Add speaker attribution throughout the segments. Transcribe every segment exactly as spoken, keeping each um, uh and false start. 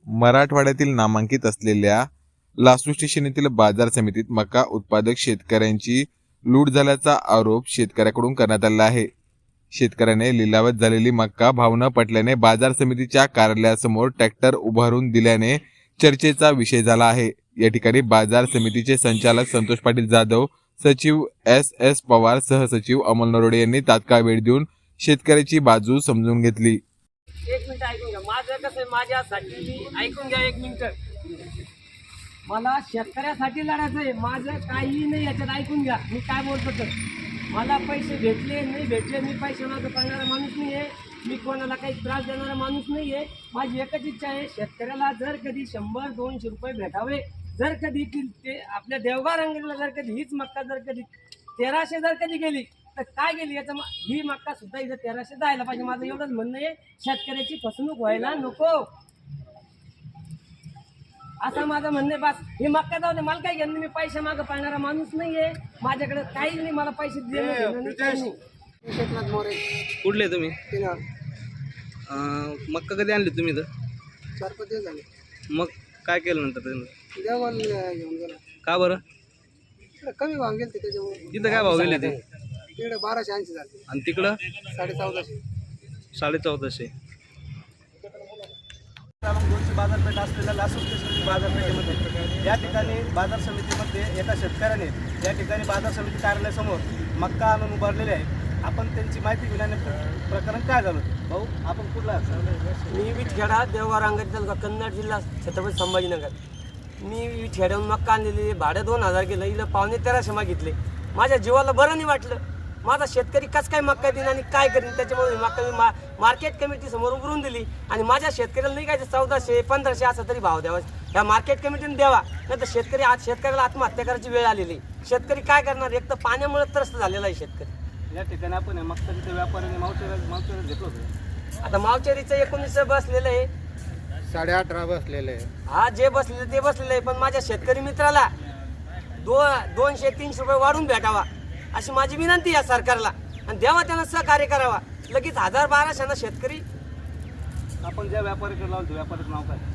Speaker 1: मराठवाड्यातील नामांकित असलेल्या लासू स्टेशन येथील बाजार समितीत मका उत्पादक शेतकऱ्यांची लूट झाल्याचा आरोप शेतकऱ्याकडून करण्यात आला आहे। शेतकऱ्याने लिलावात झालेली मका भाव न पटल्याने बाजार समितीच्या कार्यालयासमोर ट्रॅक्टर उभारून दिल्याने चर्चेचा विषय झाला आहे। या ठिकाणी बाजार समितीचे संचालक संतोष पाटील जाधव, सचिव एस एस पवार, सहसचिव अमोल नरोडे यांनी तात्काळ वेळ देऊन शेतकऱ्याची बाजू समजून घेतली।
Speaker 2: एक मिनिट ऐकून घ्या, माझं कसं आहे, माझ्यासाठी ऐकून घ्या एक मिनिट। मला शेतकऱ्यासाठी लढायचं आहे, माझं काही नाही याच्यात, ऐकून घ्या मी काय बोलतो। तर मला पैसे भेटले नाही भेटले, मी पैसे मागं पडणारा माणूस नाही आहे, मी कोणाला काही त्रास देणारा माणूस नाही आहे। माझी एकच इच्छा आहे, शेतकऱ्याला जर कधी शंभर दोनशे रुपये भेटावे, जर कधी ते आपल्या देवगाव रंगला जर कधी हीच मक्का जर कधी तेराशे जर कधी गेली तर काय गेली, याचं ही मक्का सुद्धा इथं तेराशे जायला पाहिजे। माझं एवढंच म्हणणं आहे, शेतकऱ्याची फसवणूक व्हायला नको, असं माझं म्हणणं आहे। बस ही मक्का जाऊ दे, मला काय घेणं, मी पैसे मागं पाळणारा माणूस नाही आहे, माझ्याकडे काहीच नाही, मला पैसे देणं।
Speaker 3: कुठले तुम्ही? मक्का कधी आणली तुम्ही? तर
Speaker 4: चार पाच दिवस झाले।
Speaker 3: मग काय केलं नंतर त्यांनी?
Speaker 4: देवाला घेऊन गेला।
Speaker 3: का बरं?
Speaker 4: कमी भाव गेले त्याच्यामुळे।
Speaker 3: तिथं काय भाव गेले ते?
Speaker 4: तिकडे बाराशे ऐंशी झाले
Speaker 3: आणि तिकडं
Speaker 4: साडे चौदाशे
Speaker 3: साडे चौदाशे
Speaker 5: दोनशे बाजारपेठ असलेल्या लासू स्टेशन बाजारपेठेमध्ये या ठिकाणी बाजार समितीमध्ये एका शेतकऱ्याने या ठिकाणी बाजार समिती कार्यालयासमोर मक्का आणून उभारलेले आहे। आपण त्यांची माहिती घेण्याने प्रकरण काय झालं? भाऊ, आपण कुठला?
Speaker 2: मी विठखेडा, देवगाव रांगण तालुका, कन्नड जिल्हा, छत्रपती संभाजीनगर। मी विठखेड्याहून मक्का आणलेली, भाडं दोन हजार गेलं, इथं पावणे तेराशे मागितले। माझ्या जीवाला बरं नाही वाटलं, माझा शेतकरी कसं काय मक्का देईन आणि काय करीन, त्याच्यामुळे मक्का मी मा मार्केट कमिटी समोर उभारून दिली आणि माझ्या शेतकऱ्याला नाही काय चौदाशे पंधराशे असा तरी भाव द्यावा, ह्या मार्केट कमिटीने द्यावा, नाही तर शेतकरी आज शेतकऱ्याला आत्महत्या करायची वेळ आलेली। शेतकरी काय करणार, एक तर पाण्यामुळे त्रस्त झालेला आहे शेतकरी।
Speaker 5: या ठिकाणी आपण मक्का तिथे व्यापाऱ्याने मावचेर मावचेर घेतलं होतं।
Speaker 2: आता मावचेरीचं एकोणीस बसलेलं आहे,
Speaker 4: साडे अठरा बसलेले आहे।
Speaker 2: हा जे बसलेलं ते बसलेलं आहे, पण माझ्या शेतकरी मित्राला दो दोनशे तीनशे रुपये वाढून भेटावा अशी माझी विनंती आहे सरकारला, आणि द्यावा त्यांना सहकार्य करावा। लगेच हजार बाराशेना शेतकरी,
Speaker 5: आपण ज्या व्यापाऱ्याकडे लावतो व्यापाऱ्याचं नाव काय?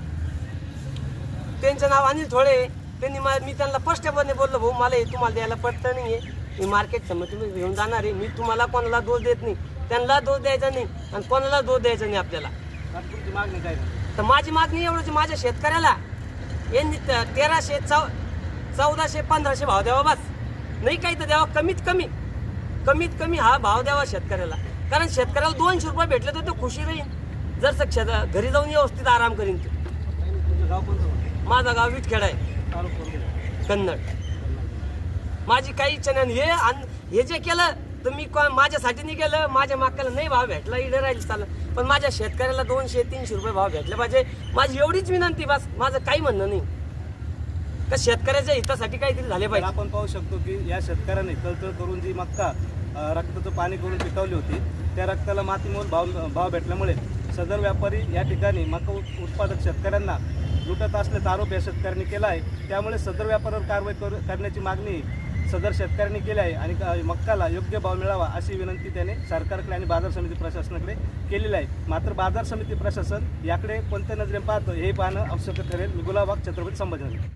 Speaker 2: त्यांचं नाव अनिल थोडे। त्यांनी मी त्यांना स्पष्टपणे बोललो, भाऊ मला हे तुम्हाला द्यायला पडतं नाही आहे, मी मार्केट समोर तुम्ही घेऊन जाणार आहे, मी तुम्हाला कोणाला दोष देत नाही, त्यांना दोष द्यायचा नाही आणि कोणाला दोष द्यायचा नाही आपल्याला।
Speaker 5: तुमची मागणी काय?
Speaker 2: तर माझी मागणी एवढंच, माझ्या शेतकऱ्याला यांनी तेराशे चौ चौदाशे पंधराशे भाव द्यावा, बस नाही काही तर द्यावा, कमीत कमी कमीत कमी हा भाव द्यावा शेतकऱ्याला, कारण शेतकऱ्याला दोनशे रुपये भेटले तर तो खुशी राहील, जर शेत घरी जाऊन व्यवस्थित आराम करीन।
Speaker 5: तुमचं गाव कोणतं?
Speaker 2: माझा गाव विठखेडा आहे,
Speaker 5: तालुका कोणतं?
Speaker 2: कन्नड। माझी काही इच्छा नाही, हे हे जे केलं तर मी माझ्यासाठी नाही केलं, माझ्या माकाला नाही भाव भेटला इकडे राहील चाललं, पण माझ्या शेतकऱ्याला दोनशे तीनशे रुपये भाव भेटले पाहिजे, माझी एवढीच विनंती, बस माझं काही म्हणणं नाही, का शेतकऱ्याच्या हितासाठी काहीतरी झाले पाहिजे।
Speaker 5: आपण पाहू शकतो की या शेतकऱ्याने तळतळ करून जी मक्का रक्ताचं पाणी करून पिकवली होती, त्या रक्ताला मातीमोल भाव भाव भेटल्यामुळे सदर व्यापारी या ठिकाणी मका उत्पादक शेतकऱ्यांना लुटत असल्याचा आरोप या शेतकऱ्यांनी केला आहे। त्यामुळे सदर व्यापाऱ्यावर कारवाई करू करण्याची मागणी सदर शेतकऱ्यांनी केली आहे आणि मक्काला योग्य भाव मिळावा अशी विनंती त्याने सरकारकडे आणि बाजार समिती प्रशासनाकडे केलेली आहे। मात्र बाजार समिती प्रशासन याकडे कोणत्या नजरेने पाहतं हे पाहणं आवश्यक ठरेल। मी गुलाबाग, छत्रपती संभाजीनगर।